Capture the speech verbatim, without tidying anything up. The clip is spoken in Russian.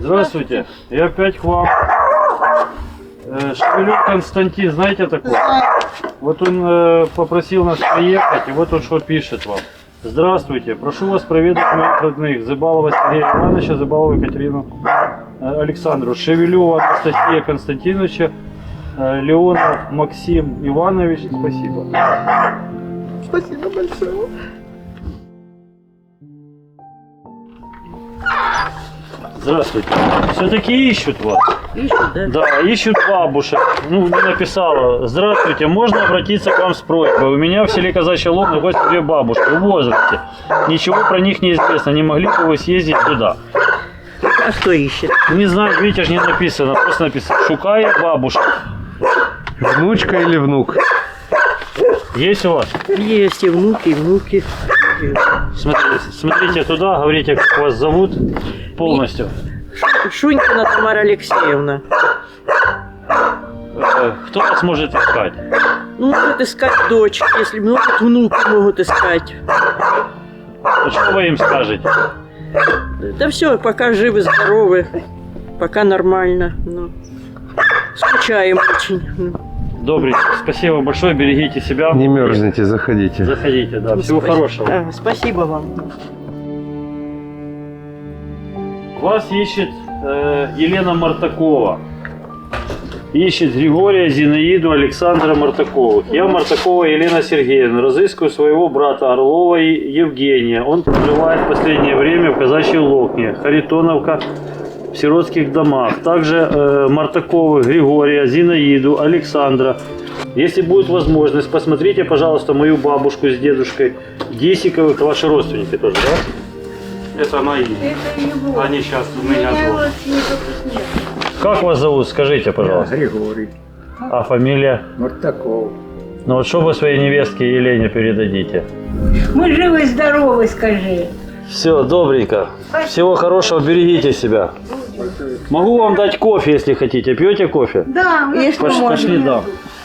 Здравствуйте, я опять к вам. Э, Шевелев Константин, знаете такого? Вот он э, попросил нас приехать, и вот он что пишет вам. Здравствуйте, прошу вас проведать моих родных. Зыбалова Сергея Ивановича, Зыбалова Екатерину э, Александру, Шевелева Анастасия Константиновича, э, Леонов Максим Иванович. Спасибо. Спасибо большое. Здравствуйте. Все-таки ищут вас. Ищут, да? Да, ищут бабушек. Ну, написала. Здравствуйте, можно обратиться к вам с просьбой. У меня в селе Казачий Лог находятся две бабушки в возрасте. Ничего про них не известно. Не могли бы вы съездить туда? А кто ищет? Не знаю, видите, ж не написано. Просто написано. Шукая бабушек. Внучка или внук? Есть у вас? Есть и внуки, и внуки. Смотрите, смотрите туда, говорите, как вас зовут полностью. Шунькина Тамара Алексеевна. Э, Кто вас может искать? Ну, могут искать дочь, если могут, внуки могут искать. Что вы им скажете? Да все, пока живы, здоровы, пока нормально. Ну, скучаем очень. Ну. Добренько. Спасибо большое, берегите себя. Не мерзните, заходите. Заходите, да. Всего Спасибо. хорошего. А, спасибо вам. Вас ищет э, Елена Мартакова. Ищет Григория, Зинаиду, Александра Мартаковых. Я Мартакова Елена Сергеевна. Разыскиваю своего брата Орлова и Евгения. Он проживает в последнее время в Казачьей Локне, Харитоновка, в сиротских домах. Также э, Мартаковых Григория, Зинаиду, Александра. Если будет возможность, посмотрите, пожалуйста, мою бабушку с дедушкой Десиковых. Это ваши родственники тоже, да? Это мои. Это его. Они сейчас у меня Меня живут. родственников нет. Как вас зовут, скажите, пожалуйста. Григорий А фамилия? Мартаков. Ну вот что вы своей невестке Елене передадите? Мы живы и здоровы, скажи. Все, добренько. Всего хорошего, берегите себя. Могу вам дать кофе, если хотите. Пьете кофе? Да, Есть Пош- можно. пошли, да.